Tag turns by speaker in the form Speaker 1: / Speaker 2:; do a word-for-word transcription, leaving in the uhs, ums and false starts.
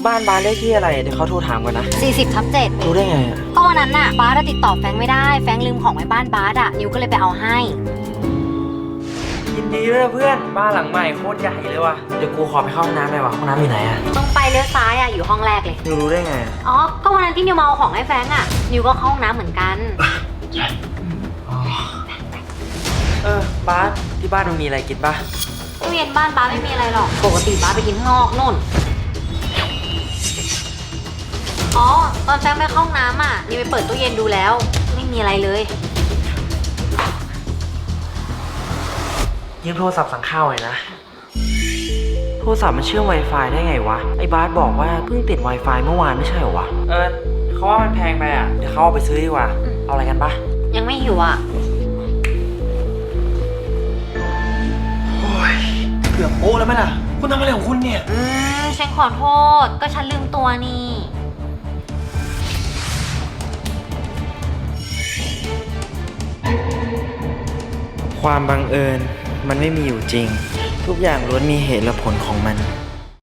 Speaker 1: บ้านบาสเลขที่อะไรเดี๋ยวเขาโทรถามก่อนนะ
Speaker 2: สี่สิบทับเจ็ด
Speaker 1: รู้ได้ไงอ่ะ
Speaker 2: ก็วันนั้นน่ะบาสอะติดต่อแฟงไม่ได้แฟงลืมของไว้บ้านบาสอะนิวก็เลยไปเอาให้
Speaker 1: ยินดีด้วยนะเพื่อนบ้านหลังใหม่โคตรใหญ่เลยว่ะเดี๋ยวกูขอไปเข้าห้องน้ำหน่อยวะห้องน้ำอยู่ไหนอ่ะ
Speaker 2: ตรงไปเลี้ยวซ้ายอะอยู่ห้องแรกเลย
Speaker 1: นิวรู้ได้ไง
Speaker 2: อ๋อก็วันนั้นที่นิวมาเอาของให้แฟงอะนิวก็เข้าห้องน้ำเหมือนกัน
Speaker 1: เออบาสที่บ้านมันมีอะไรกินปะ
Speaker 2: ตู้เย็นบ้านบาสไม่มีอะไรหรอกปกติบาสไปกินข้างนอกนู่นอ๋อตอนแฟงไปเข้าห้องน้ำอะนิวไปเปิดตู้เย็นดูแล้วไม่มีอะไรเลย
Speaker 1: ยืมโทรศัพท์สั่งข้าวหน่อยนะโทรศัพท์มันเชื่อม Wi-Fi ได้ไงวะไอ้บาสบอกว่าเพิ่งติด Wi-Fi เมื่อวานไม่ใช่เหรอวะเออเขาว่ามันแพงไปอ่ะเดี๋ยวเขาเอาไปซื้อดีกว่าเอาอะไรกันปะ
Speaker 2: ยังไม่หิวอะ
Speaker 3: โอ้ยเกือบโป๊ะแล้วไหมล่ะคุณทำอะไรของคุณเนี่ย
Speaker 2: อืมฉันขอโทษก็ฉันลืมตัวนี่
Speaker 1: ความบังเอิญมันไม่มีอยู่จริง ทุกอย่างล้วนมีเหตุและผลของมัน